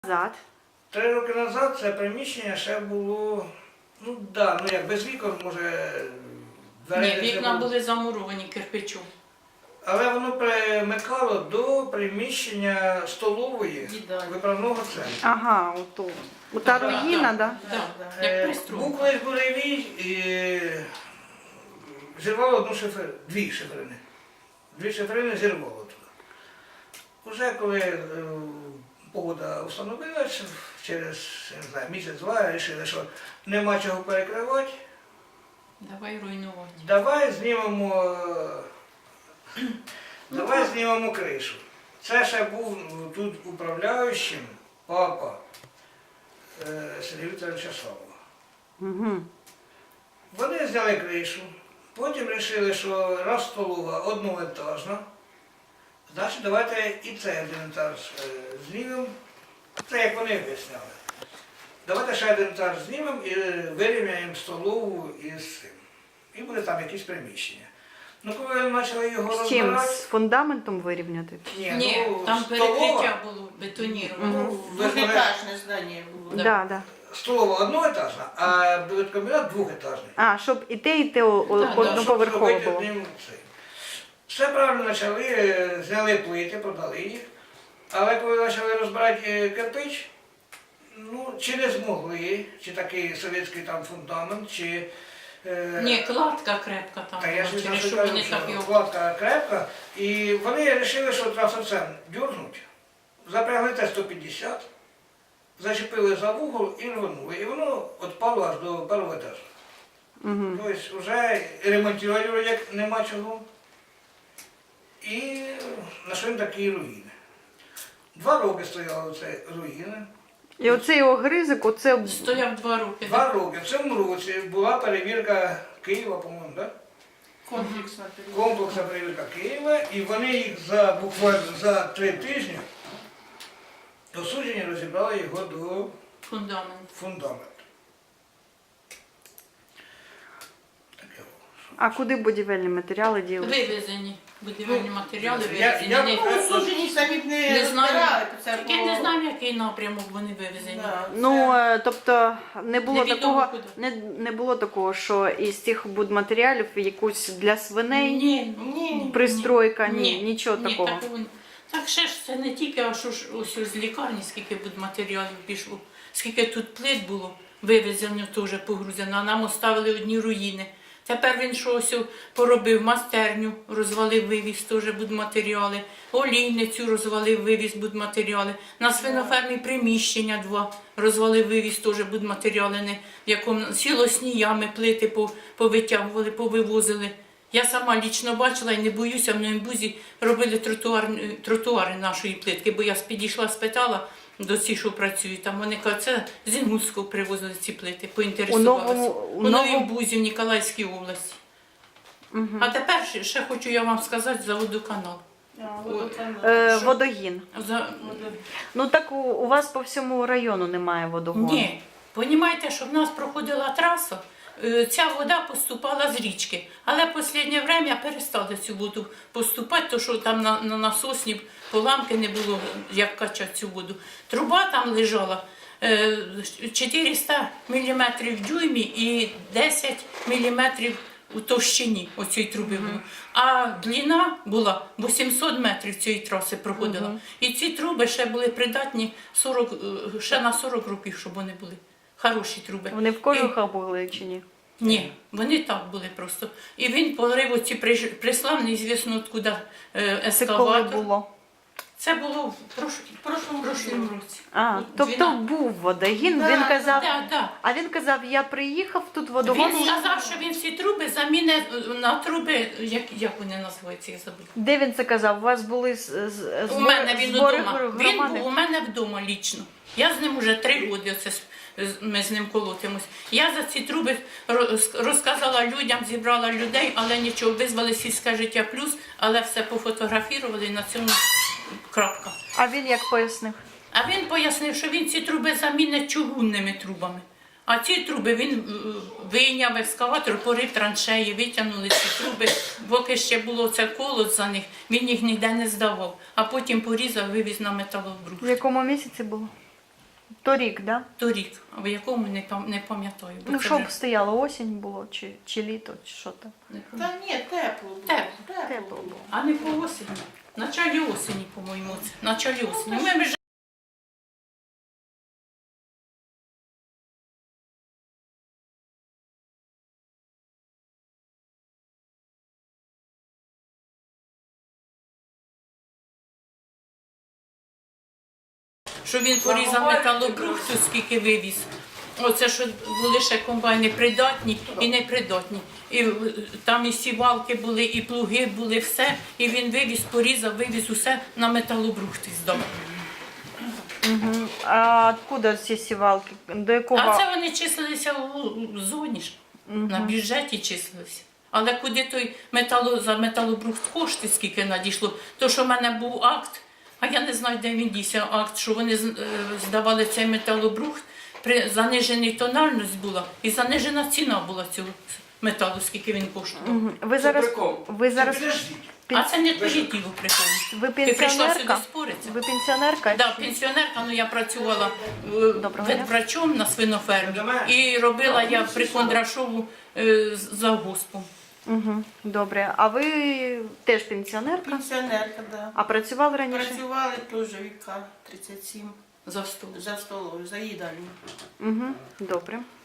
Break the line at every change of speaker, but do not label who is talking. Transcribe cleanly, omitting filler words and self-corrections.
Назад.
3 роки назад це приміщення ще було, як без вікон, може,
Ні, вікна були замуровані кирпичом.
Але воно примикало до приміщення столової виправного центру.
Ага, ото. Ота руїна, так?
Так, як пристрой.
Був колись буревій і зірвало дві шиферини. Дві шиферини зірвало туди. Уже коли погода встановилася, через місяць-два вирішили, що нема чого перекривати.
Давай руйнувати.
Давай знімемо кришу. Це ще був тут управляючим папа Сергія Вікторовича Савова.
Угу.
Вони зняли кришу, потім вирішили, що раз столова одноетажна, значить давайте і цей один етаж знімемо. Це як вони об'ясняли. Давайте ще один етаж знімемо і вирівняємо столову із цим. І буде там якісь приміщення. Ну, коли ми почали його
З чим?
розбирати...
З фундаментом вирівняти?
Ні, там перекриття було бетоніроване.
Двухэтажное здание было.
Так, да. Да.
Столова одноетажна, а комбінат двохетажний.
А, щоб і те
да,
одноповерхово було.
Все правильно почали, зняли плити, продали їх. Але коли почали розбирати кирпич, чи не змогли, чи такий совєтський там фундамент, чи...
Ні, кладка крепка там
Та я
була,
ж
через що
кажу,
вони
що
так його...
кладка крепка, і вони вирішили, що трасоцем дюрнуть, запрягли Т-150, зачепили за вугол і рванули. І воно відпало аж до першого етажу.
Угу.
Тобто вже ремонтувати вроде як нема чого. І знайшли такі руїни. 2 роки стояли це руїни.
І оцей огризок, оце...
Стояв 2 роки.
2 роки. В цьому році була перевірка Києва, по-моєму, так?
Комплексная
Комплексна перевірка Києва, і вони їх буквально за 3 тижні осуджені розібрали його до фундаменту. Таке.
А куди будівельні матеріали діли?
Вивезені. Будівельні матеріали
я-
вивезені.
Ну, сужені самі б
Не знаю,
це
так я не знаю, який напрямок вони вивезені.
Да,
Ну, тобто не було
Невідомо
такого,
куди.
не було такого, що із цих будматеріалів якусь для свиней
Ні,
пристройка, нічого такого.
Так ще ж це не тільки, а що ж ось з лікарні, скільки будматеріалів пішло, скільки тут плит було вивезено, теж погрузено, а нам оставили одні руїни. Тепер він щось поробив, майстерню розвалив, вивіз теж будматеріали, олійницю розвалив, вивіз будматеріали, на свинофермі приміщення 2 розвалив, вивіз теж будматеріали, в якому сілосні ями, плити повитягували, повивозили. Я сама лічно бачила і не боюся, в Новому робили тротуари нашої плитки, бо я підійшла, спитала до ці, що працюють, там вони кажуть, це з Інгульського привозили ці плити, поінтересувалися. У Новому Бузі, в Ніколаївській області.
Угу.
А тепер ще хочу я вам сказати за водоканал.
Водогін.
За...
Ну так у вас по всьому району немає водогону.
Ні, розумієте, що в нас проходила траса, ця вода поступала з річки, але в останнє час перестали цю воду поступати, тому що там на насосні поламки не було, як качати цю воду. Труба там лежала 400 мм в дюймі і 10 мм у товщині оцієї труби було. А длина була 800 метрів цієї траси проходила. І ці труби ще були придатні ще на 40 років, щоб вони були. Хороші труби.
Вони в кожухах були чи ні?
Ні, вони так були просто. І він порив оці прислав, неізвісно откуда
Це коли
ескаватор.
було?
Це було в прошлому році.
А,
От
тобто
12.
був водогін,
Да,
він казав,
Да.
а він казав, я приїхав, тут водогон.
Він сказав, що він всі труби замінить на труби, як вони називаються, я забула.
Де він це казав? У вас були
У мене він
збори
вдома. Він
громади?
був у мене вдома лічно. Я з ним вже 3 роки ми з ним колотимось. Я за ці труби розказала людям, зібрала людей, але нічого, визвали сільське життя плюс, але все пофотографували і на цьому крапка.
А він як пояснив?
А він пояснив, що він ці труби замінить чугунними трубами. А ці труби він вийняв ескаватор, порив траншеї, витягнули ці труби, поки ще було це колод за них, він їх ніде не здавав, а потім порізав, вивіз на металобрух.
В якому місяці було? Торік, да?
торік, в якому не пам'ятаю. бо
Ну,
це
що
вже
б стояло, осінь було, чи літо, чи що там.
не пам'ятаю.
Та ні, тепло було.
Тепло.
Тепло було.
А не по осені. В началі осені, по-моєму, це. В началі осені. Ми вже що він порізав металобрухту, скільки вивіз. Оце що були ще комбайни придатні і непридатні. І там і сівалки були, і плуги були, все. І він вивіз, порізав, вивіз усе на металобрухти здав.
Угу. А откуда ці сівалки? До якого?
А це вони числилися у зоні ж, на бюджеті числилися. Але куди той за металобрухт кошти, скільки надійшло, то що в мене був акт, а я не знаю, де він дійся, акт, що вони здавали цей металобрухт, занижена тональність була і занижена ціна була цього металу, скільки він коштував.
Мгм. Ви
Це
зараз,
прикол.
ви зараз
Підождіть.
А це не твоє діло приходить.
ви
Ти прийшла сюди
пенсіонерка?
споритися.
Ви пенсіонерка?
Да, пенсіонерка, ну я працювала
Доброго дня.
ветврачом на свинофермі
Доброго дня.
і робила я при Кондрашову завгоспом.
Угу. Добре. А ви теж пенсіонерка?
Пенсіонерка, да.
А працювали раніше?
Працювали теж віка 37
За стол.
за столом, за їдальню.
Угу. Добре.